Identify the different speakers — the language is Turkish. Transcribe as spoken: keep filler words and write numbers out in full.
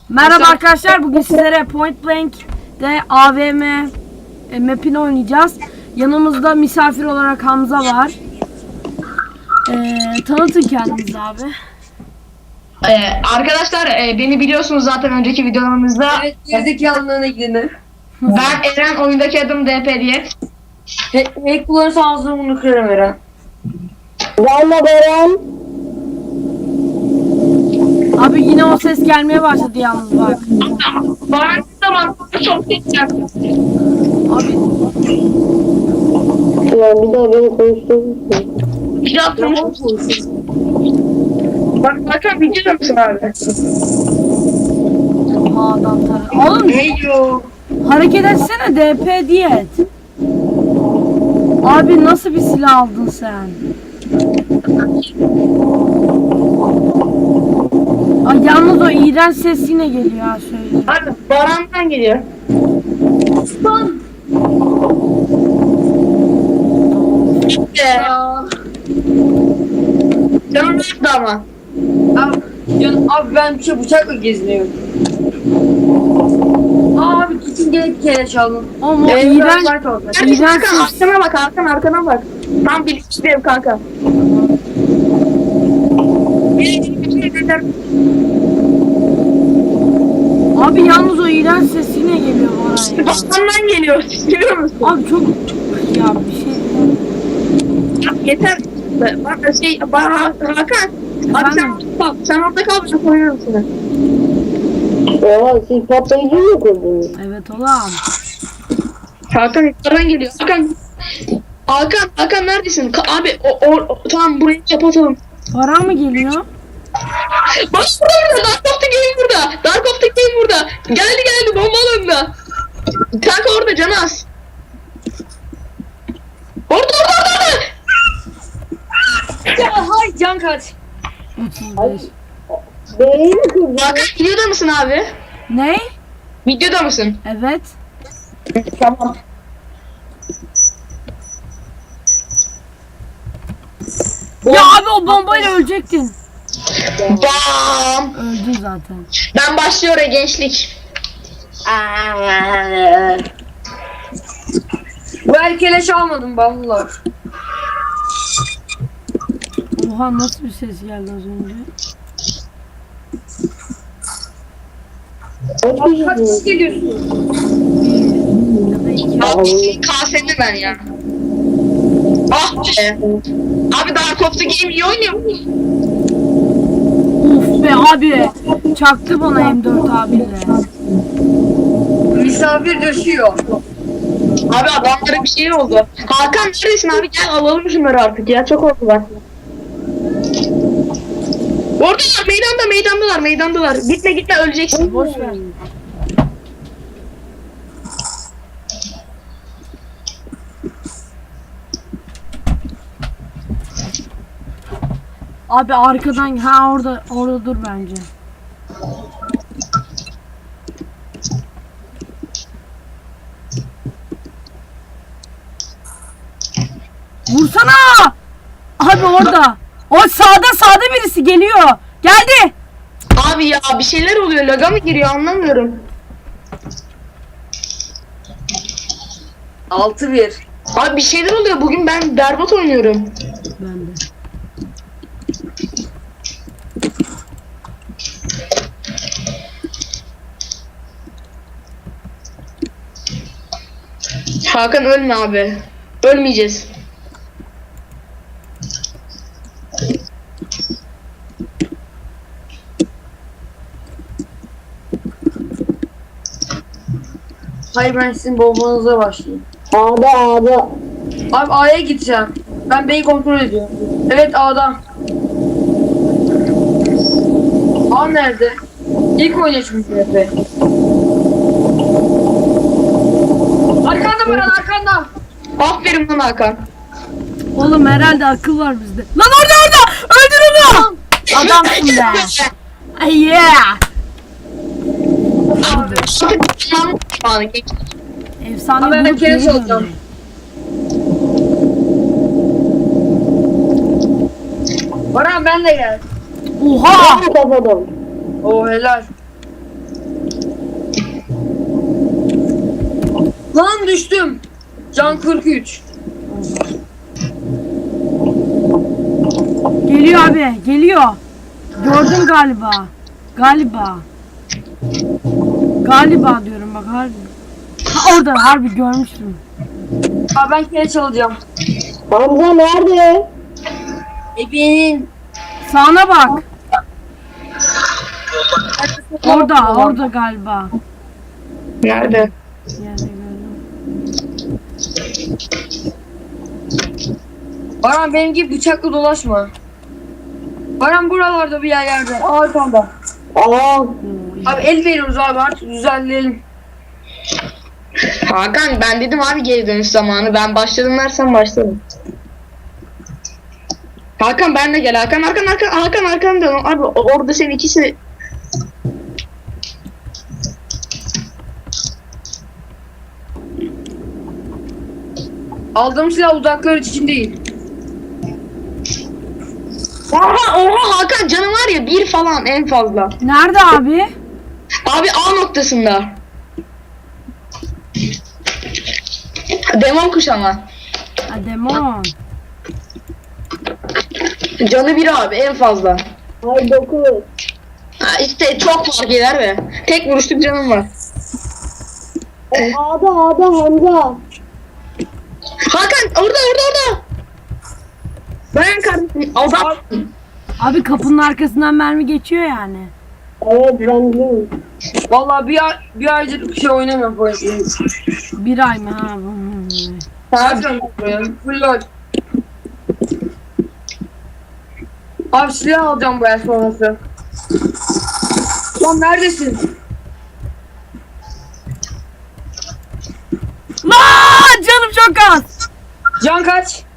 Speaker 1: Merhaba arkadaşlar, bugün sizlere Point Blank'de A V M e, map'ini oynayacağız. Yanımızda misafir olarak Hamza var. Ee, tanıtın kendinizi abi.
Speaker 2: Ee, arkadaşlar e, beni biliyorsunuz zaten önceki videolarımızda.
Speaker 3: Evet, gerizekalılığına ilgilenir.
Speaker 2: Ben Eren, oyundaki adım D P diye.
Speaker 3: Hack kullanırsa ağzını bunu kırarım Eren.
Speaker 4: Valla Beren.
Speaker 1: Abi yine o ses gelmeye başladı yalnız bak.
Speaker 2: Bana zaman çok geçeceğim.
Speaker 1: Abi
Speaker 4: Ya bir daha beni konuşturur musun?
Speaker 2: Bir daha konuşuruz. Bak bakın videoda mısın abi?
Speaker 1: oha adam tar- Oğlum
Speaker 2: Heyo.
Speaker 1: hareket etsene, D P diye et. Abi nasıl bir silah aldın sen? Ay yalnız o iğrenç ses yine geliyor ha, söyleyeyim.
Speaker 2: Abi Baran'dan geliyor. İşte. Canım nerede ama?
Speaker 3: Abi, can, abi ben bir şey bıçakla geziniyorum. Aa, abi kesin gene bir kere çaldım.
Speaker 1: Oğlum o
Speaker 2: Ee,
Speaker 1: iğrenç,
Speaker 2: Neredesin
Speaker 1: iğrenç
Speaker 2: kanka?
Speaker 1: ses.
Speaker 2: Arkana bak, arkana, arkana bak. Tam bilinçliyim kanka.
Speaker 1: Abi yalnız o iğrenç ses yine geliyor bana ya.
Speaker 2: Bakandan geliyor, biliyor musun?
Speaker 1: Abi çok ya bir şey.
Speaker 2: Yeter. Bak şey, bak Hakan. Abi sen
Speaker 1: Efendim?
Speaker 2: orada kal, sen orada kal, ben koyuyorum seni.
Speaker 4: Oha siz patlayıcı mı kurdunuz?
Speaker 1: Evet ulan.
Speaker 2: Hakan yukarıdan geliyor. Hakan. Hakan, Hakan neredesin? Ka- abi o, o, o tamam burayı kapatalım.
Speaker 1: Para mı geliyor?
Speaker 2: Bak burada burada, Dark of the Game burada. Dark of the Game burada. Geldi geldi, bomba alanında. Kanka orada, canı az. Orada orada orada.
Speaker 3: Ya hay can kaç.
Speaker 1: otuz beş.
Speaker 4: Bereyi mi kurdun?
Speaker 2: Hakan videoda mısın abi?
Speaker 1: Ne?
Speaker 2: Videoda mısın?
Speaker 1: Evet.
Speaker 2: Tamam.
Speaker 1: Ya abi o bombayla ölecektin.
Speaker 2: Bam.
Speaker 1: Öldün zaten.
Speaker 2: Ben başlıyorum gençlik.
Speaker 3: Bu el keleş almadım vallahi.
Speaker 1: Oha nasıl bir ses geldi az önce?
Speaker 3: Abi kaç kişi geliyorsun?
Speaker 1: Bir ya da iki.
Speaker 2: Abi kaseni ben ya. Ah be. Abi Dark of the Game iyi oynuyor mu?
Speaker 1: Uf be abi. Çaktı bana M dört abiyle.
Speaker 3: Misafir düşüyor.
Speaker 2: Abi adamlara bir şey oldu. Hakan neredesin abi, gel alalım şunları artık ya, çok oldular. Oradalar, meydanda meydandalar meydandalar. Gitme gitme, öleceksin.
Speaker 1: Boş ver. Abi arkadan, ha orada orada dur bence. Vursana! Abi orada. O sağda sağda birisi geliyor. Geldi.
Speaker 2: Abi ya bir şeyler oluyor, laga mı giriyor anlamıyorum.
Speaker 3: altı bir.
Speaker 2: Abi bir şeyler oluyor, bugün ben berbat oynuyorum.
Speaker 1: Ben de.
Speaker 2: Hakan ölme abi. Ölmeyeceğiz.
Speaker 3: Hayır, ben sizin bombanıza başlayayım.
Speaker 4: Ağda ağda.
Speaker 3: Abi A'ya gideceğim. Ben B'yi kontrol ediyorum. Evet, A'da. A nerede? İlk oynuyor çünkü Efe. Arkanda Baran, arkanda.
Speaker 2: Aferin lan Hakan.
Speaker 1: Oğlum herhalde akıl var bizde. Lan orada orada! Öldür onu! Adamsın be. Ay yeah!
Speaker 2: Abi tamam tamam geç.
Speaker 1: Efsane
Speaker 3: Abi ben
Speaker 1: bulup
Speaker 3: kere
Speaker 1: geri
Speaker 3: çalacağım.
Speaker 1: döndü.
Speaker 3: Baran ben de gel.
Speaker 1: Oha!
Speaker 4: Kapadım.
Speaker 3: Oo helal. Lan düştüm. Can kırk üç.
Speaker 1: Geliyor abi, geliyor. Gördüm galiba. Galiba. Galiba diyorum bak harbi. Ha, orada harbi görmüştüm.
Speaker 3: Abi ben kere çalacağım.
Speaker 4: Hamza nerede?
Speaker 3: Ebenin.
Speaker 1: Sağına bak. Orada, orada galiba.
Speaker 2: Nerede?
Speaker 1: Yerde gördüm.
Speaker 3: Baran benim gibi bıçakla dolaşma. Baran buralarda bir yerlerde. Arkanda.
Speaker 4: Aa,
Speaker 3: Abi el veriyoruz abi artık düzenleyelim.
Speaker 2: Hakan ben dedim abi geri dönüş zamanı. Ben başladım dersen başladım. Hakan ben de gel. Hakan Hakan Hakan Hakan Hakan dön. Abi orada senin ikisi.
Speaker 3: Aldığım silah uzaklar için değil.
Speaker 2: Oha oha Hakan canım var ya bir falan en fazla.
Speaker 1: Nerede abi?
Speaker 2: Abi A noktasında. Demon kuş ama.
Speaker 1: Ha, demon.
Speaker 2: Canı bir abi en fazla.
Speaker 4: ay dokuz.
Speaker 2: Ha, işte çok fark eder be. Tek vuruşluk canım var.
Speaker 4: E, A'da A'da Hamza.
Speaker 2: Hakan orada orada orada. Ben kardeşim. Azat.
Speaker 1: Abi kapının arkasından mermi geçiyor yani.
Speaker 4: Evet ben biliyorum.
Speaker 3: Vallahi bir ay, bir aydır bir şey oynamıyorum bu oyunu.
Speaker 1: Bir ay mı ha? Hmm.
Speaker 3: Zaten full load. Abi silah alacağım bu el sonrası. Lan neredesin?
Speaker 1: Lan canım çok az.
Speaker 3: Can kaç?